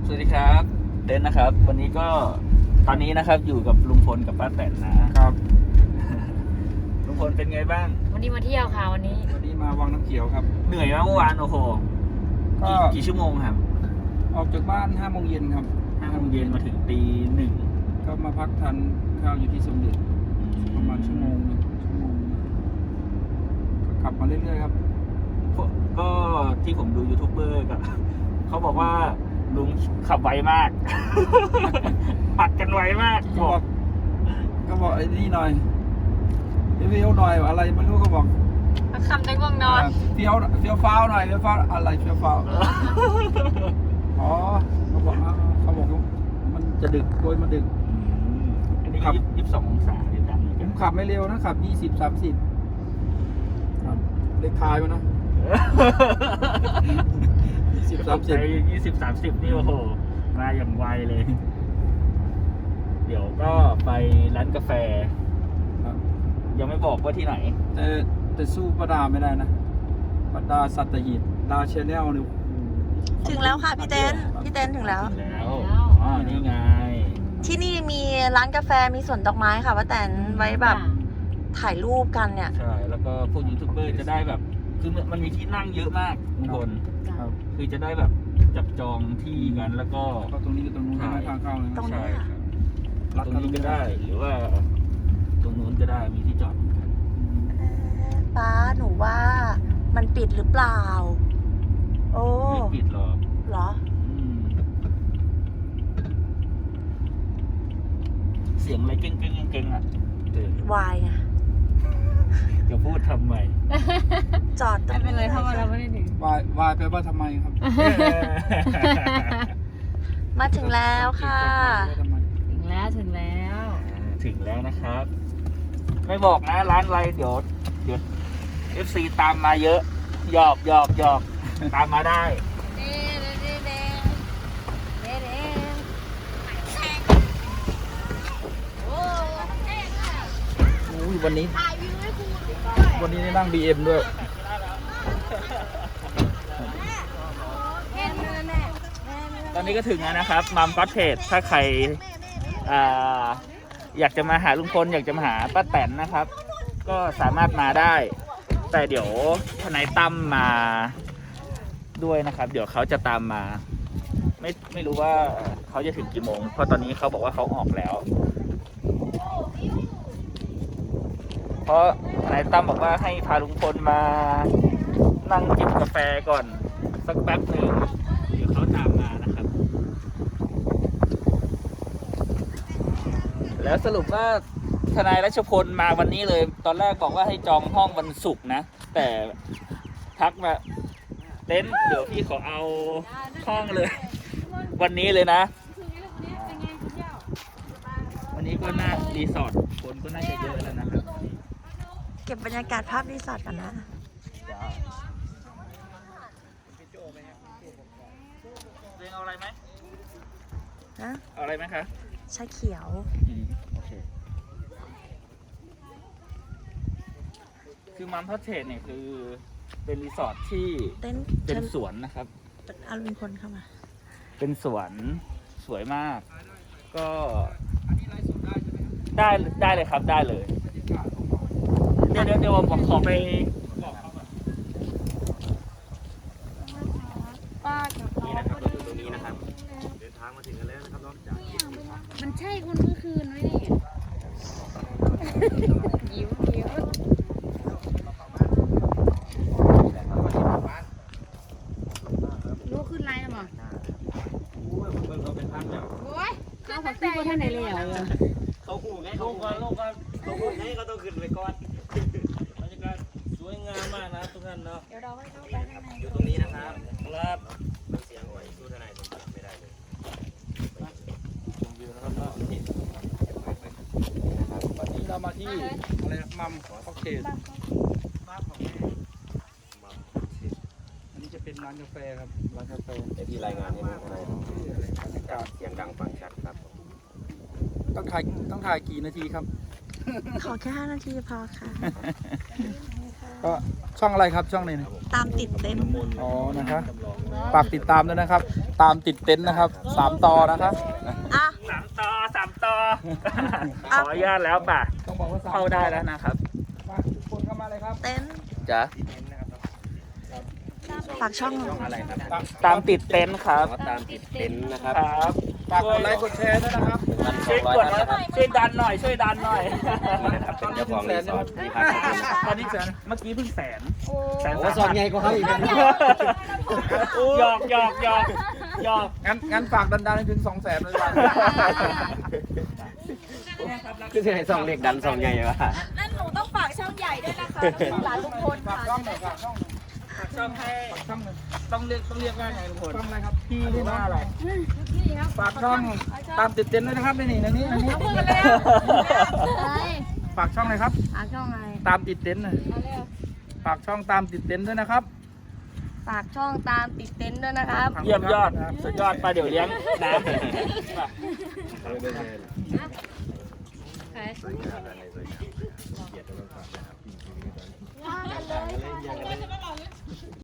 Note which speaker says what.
Speaker 1: สวัสดีครับเดนนะครับวันนี้ก็ตอนนี้นะครับอยู่กับลุงพลกับป้าแตนนะครับ ลุงพลเป็นไงบ้าง
Speaker 2: วันนี้มาเที่ยวค่ะวันนี้
Speaker 3: มาวังน้ำเขียวครับ
Speaker 1: เหนื่อยมากเมื่อวานโอ้โห
Speaker 3: ก็
Speaker 1: กี่ชั่วโมงครับ
Speaker 3: ออกจากบ้าน5 โมงเย็นครับ
Speaker 1: 5 โมงเย็นมาถึงตี 1
Speaker 3: ก็มาพักทานข้าวอยู่ที่สมเด็จประมาณชั่วโมงก็ขับมาเรื่อยๆครับ
Speaker 1: ก็ที่ผมดูยูทูบเบอร์กับเขาบอกว่าลุงขับไวมาก ปัดกันไวมาก
Speaker 3: ก็บอกไอ้นี่หน่อยเฟี้ยวหน่อยอะไรไม่รู้ก็บอก
Speaker 2: คำในง่วงนอน
Speaker 3: เฟี้ยวฟ้าวหน่อยเฟี้ยวฟ้าวอะไรเฟี้ยวฟ้าวอ๋อเขาบอกมันจะดึกโดยมันดึก
Speaker 1: อันนี้22 องศาที่ดัง
Speaker 3: ผมขับไม่เร็วนะขับ20-30ครับเลขท้ายมันนะ
Speaker 1: 20-30นี่โอ้โหมาอย่างไวเลย เดี๋ยวก็ไปร้านกาแฟยังไม่บอกว่าที่ไหน
Speaker 3: แต่สู้ประดาไม่ได้นะประดาสัตหีบดาเชนแนลนี่
Speaker 4: ถึงแล้วค่ะพี่เต้นถึงแล้ว
Speaker 1: อ๋อนี่ไง
Speaker 4: ที่นี่มีร้านกาแฟมีสวนดอกไม้ค่ะป้าแตนไว้แบบถ่ายรูปกันเนี่ย
Speaker 1: ใช่แล้วก็พวกยูทูบเบอร์จะได้แบบคือมันมีที่นั่งเยอะมากทุกคนคือจะได้แบบจับจองที่กันแล้วก็
Speaker 3: ตรงนี้กับตรงนู้นไม่ทางเข้าเลย
Speaker 4: ตรงนี้
Speaker 1: ตรงนี้ก็ได้หรือว่าตรงนู้นก็ได้มีที่จอด
Speaker 4: ป้าหนูว่ามันปิดหรือเปล่าโอ้
Speaker 1: ไม่ปิดหรอก
Speaker 4: เหรอ
Speaker 1: เสียงอะไรเก่งอ่ะ
Speaker 4: วายไง
Speaker 1: จะพูดทำไม
Speaker 4: จอด
Speaker 2: ไม่เป็นไรเพราะว่าเราไม่ได้ถึง
Speaker 3: วายแปลว่าทำไมครับ
Speaker 4: มาถึงแล้วค่ะ
Speaker 2: ถึง
Speaker 1: แล้วนะครับไม่บอกนะร้านอะไรเดี๋ยว FC ตามมาเยอะหยอกตามมาได้
Speaker 3: วันนี้ได้นั่ง BM ด้วย
Speaker 1: ตอนนี้ก็ถึงแล้วนะครับมัมก็อตเทจถ้าใครอยากจะมาหาลุงพลอยากจะมาหาป้าแตนนะครับก็สามารถมาได้แต่เดี๋ยวทนายตั้มมาด้วยนะครับเดี๋ยวเขาจะตามมาไม่รู้ว่าเขาจะถึงกี่โมงเพราะตอนนี้เขาบอกว่าเขาออกแล้วเพราะทนายตั้มบอกว่าให้พาลุงพลมานั่งจิบกาแฟก่อนสักแป๊บหนึ่งเดี๋ยวเขาตามมานะครับแล้วสรุปว่าทนายรัชพลมาวันนี้เลยตอนแรกบอกว่าให้จองห้องวันศุกร์นะแต่ทักมาเต้นเดี๋ยวพี่ขอเอาห้องเลยวันนี้เลยนะวันนี้ก็น่ารีสอร์ทคนก็น่าจะเยอะแล้วนะครับ
Speaker 4: เก็บบรรยากาศภาพรีสอร์ทกันนะ
Speaker 1: เรียนเอาอะไรไหม
Speaker 4: นะ
Speaker 1: เอาอะไรไหมคะ
Speaker 4: ชาเขียว
Speaker 1: โอเคคือมัมพัทเทจเนี่ยคือเป็นรีสอร์ทที่เป็นสวนนะครับ
Speaker 4: เอาลุงพลเข้ามา
Speaker 1: เป็นสวนสวยมากก็ได้เลยครับได้เลยเดี๋ยวผมขอไปนี่นะครับเราอยู่ตรงนี้นะครับเดินทางมาถึงกันแล้วนะครับนอกจาก
Speaker 2: มันใช่คนเมื่อคืนไหมเนี่ยยิ้มรู้ขึ้นไลน์แล้วมั้ง
Speaker 1: เราเป็นพันแล้ว
Speaker 2: โอ้ยขึ้นแต่ท่านไหนเลย
Speaker 1: เขาหูไงเขาหูไงก็ต้องขึ้นไปก่อนบรรยากาศสวยงามมากนะทุกท่านเนาะ
Speaker 2: เดี๋ยวเราให้เข้าไปข้างใน
Speaker 1: อยู่ตรงนี้นะครับครับเสียงไหวสู้ทนายไม่ได้เลยอยู่นะครับ
Speaker 3: วันนี้เรามาที่อะไรมัมค็อกเทลอันนี้จะเป็นร้านกาแฟครับร้านกาแฟ
Speaker 1: ที่รายงานให้ดูทนายเสียงดังฟังชัดครับ
Speaker 3: ต้องถ่ายกี่นาทีครับ
Speaker 4: ขอแค่5 นาทีพอค่ะ
Speaker 3: ก็ช่องอะไรครับช่องไหนนะ
Speaker 4: ตามติดเต็ม
Speaker 3: อ๋อนะครับฝากติดตามด้วยนะครับตามติดเต็นท์นะครับ3ต่อนะครับ
Speaker 4: อ่ะ
Speaker 1: 3 ต่อ ขออนุญาตแล้วป่ะ
Speaker 3: ต้องบอกว่า
Speaker 1: เข้าได้แล้วนะครับ
Speaker 3: ฝากทุกคนเข้ามาเลยครับ
Speaker 4: เต็นท์
Speaker 1: จ้ะ
Speaker 4: ฝากช่องหน่อย
Speaker 5: อะไรครับ
Speaker 1: ตามติดเต็นท์ครับ
Speaker 5: ตามติดเต็นท์นะครับ
Speaker 1: ครับ
Speaker 3: ฝากกดไลค์กดแชร์ด้วยนะครับ
Speaker 1: ช่วยกดนะช่วยดันหน่อย ช่วยดันหน่อย
Speaker 5: นี่นะครับเป็นเจ้าของรีสอร์ทที่พักที่นี่
Speaker 1: ตอนนี้เมื่อกี้เพิ่งแสน
Speaker 5: โอ้สอนไงก็เขาอีกนะ
Speaker 1: หยอกหยอกหยอกหยอก
Speaker 3: งั้นฝากดันๆให้ถึง200,000เลยครับ
Speaker 5: คือจะให้สองเล็กดันสองใหญ่วะ
Speaker 4: นั่นหนูต้องฝากช่องใหญ่ด้วยนะคะหลานทุกคน
Speaker 3: ฝากช่องหน่อยฝากช่องหน่อย
Speaker 1: ช่องให้
Speaker 3: ฝากช่องหน่อย
Speaker 1: ต้องเรียกว่าไงลุงพล
Speaker 3: ช่องอะไรครับ
Speaker 1: พี่หรือว่าอะไร
Speaker 3: ฝากช่องตามติดเต็นท์ด้วยนะครับนี่ในนี้ฝากช่องเลยครับ
Speaker 2: หาช่องอะไร
Speaker 3: ตามติดเต็นท์หน่อยฝากช่องตามติดเต็นท์ด้วยนะครับ
Speaker 4: ฝากช่องตามติดเต็นท์ด้วยนะครับ
Speaker 1: เยี่ยมยอดสุดยอดไปเดี๋ยวเลี้ยงน้
Speaker 2: ใคร